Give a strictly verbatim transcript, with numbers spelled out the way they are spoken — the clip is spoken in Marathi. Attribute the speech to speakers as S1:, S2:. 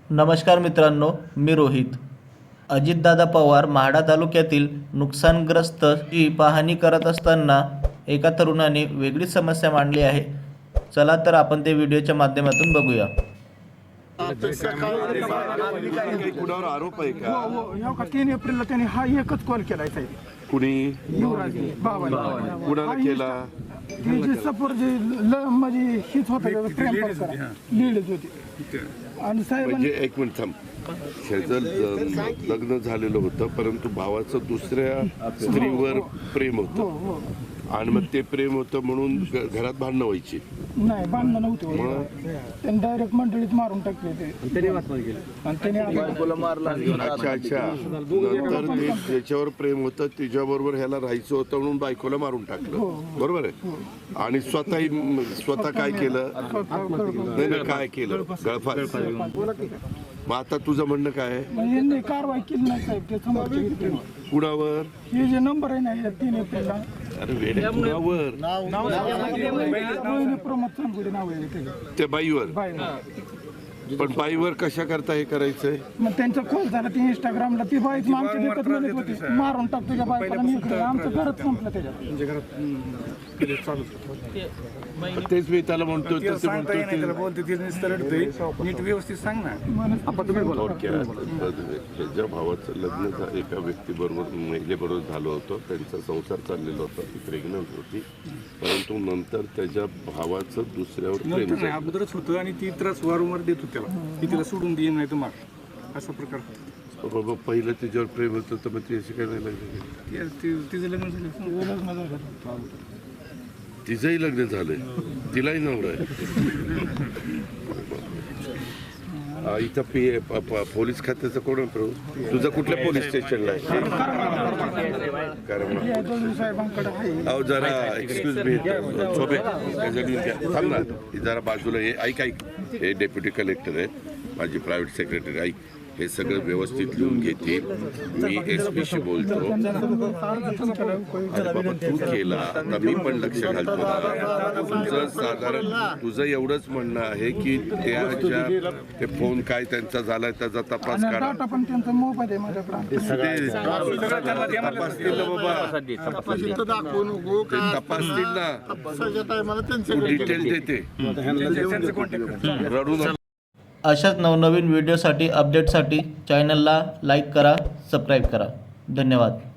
S1: नमस्कार मित्रांनो, मी रोहित. अजितदादा पवार म्हाडा तालुक्यातील नुकसानग्रस्त ची पाहणी करत असताना एका तरुणाने वेगळीच समस्या मांडली आहे. चला तर आपण ते व्हिडिओच्या माध्यमातून बघूया.
S2: कुणावर आरोप आहे का?
S3: हो हो का तीन एप्रिलला त्यांनी हा एकच कॉल केलाय साहेब.
S2: कुणी
S3: युवराज बाबांनी
S2: कुणाला केला?
S3: ती जी सपोर जी ल म्हणजे हीच होता प्रेम प्रकार लीडच होती. आणि साहेब
S2: म्हणजे एक मिनिट थांब. शेजल लग्न झालेलं होतं, परंतु भावाचं दुसऱ्या स्त्रीवर प्रेम होतं आणि मग ते प्रेम होतं म्हणून घरात भांडणं व्हायची.
S3: नाही भांडणं नव्हती, त्यांनी डायरेक्ट मंडळीत मारून टाकले ते आणि त्याने
S2: अच्छा अच्छा नंतर ते ज्याच्यावर प्रेम होतं त्याच्याबरोबर ह्याला राहायचं होतं म्हणून बायकोला मारून टाकलं. बरोबर आहे. आणि स्वतःही स्वतः काय केलं? नाही नाही काय केलं? गळफास. मग आता तुझं म्हणणं काय आहे?
S3: यांनी कारवाई केली नाही साहेब. ते समोरचे
S2: कुणावर?
S3: हे जे नंबर आहे ना या तीन एप्रिलला
S2: अरे वेड्या कुणावर?
S3: प्रमोद चांगुडे नाव आहे
S2: त्या बाईवर.
S3: बाय.
S2: पण बाईवर कशा करता हे करायचंय?
S3: मग त्यांचा खोल झाला ती इंस्टाग्रामला. ती बाईच आमच्या देखत म्हणत होती मारून टाक तुझ्या बायकोला. मी इकडे आमचं घरच संपलं त्याच्यात.
S2: तेच मी त्याला म्हणतो
S4: नीट व्यवस्थित सांग ना.
S2: त्याच्या भावाचं लग्न झा- एका व्यक्तीबरोबर महिलेबरोबर झालं होतं. त्यांचा संसार चाललेला होता. ती प्रेग्नंट होती, परंतु नंतर त्याच्या भावाचं दुसऱ्यावर प्रेम
S4: नाही
S2: झालं.
S4: अगोदरच होतं आणि ती त्रास वारंवार देत होती त्याला की तिला सोडून देईन नाही तुम्हाला असा प्रकार होता.
S2: बाबा पहिलं त्याच्यावर प्रेम होतं तर मग ती अशी काय नाही लागली?
S4: ती- ती- तिचं लग्न झालं.
S2: तिचंही लग्न झालंय, तिलाही नवरा आहे. आ, इथं पी प- प- पोलीस खात्याचं कोण आहे प्रभू? तुझं कुठल्या पोलीस स्टेशनला आहे? कारण
S3: साहेबांकडे आहे.
S2: अहो जरा एक्सक्यूज मी शोभे थांब ना. ही जरा बाजूला हे ऐक ऐक हे डेप्युटी कलेक्टर आहेत, माझी प्रायव्हेट सेक्रेटरी. ऐक, हे सगळं व्यवस्थित लिहून घेतील. मी एस पीशी बोलतो. अरे बाबा तू केला, आता मी पण लक्ष घालतो ना. तुझं साधारण तुझं एवढंच म्हणणं आहे की त्याच्या ते फोन काय त्यांचा झालाय त्याचा तपास करा.
S3: डाटा पण त्यांचा मोबाईल आहे माझ्याकडे.
S2: ते तपासतील ना बाबा, ते तपासतील ना. तू डिटेल देते. रडू नका.
S1: अशाच नवनवीन व्हिडिओसाठी अपडेटसाठी चॅनलला लाईक करा, सबस्क्राईब करा. धन्यवाद.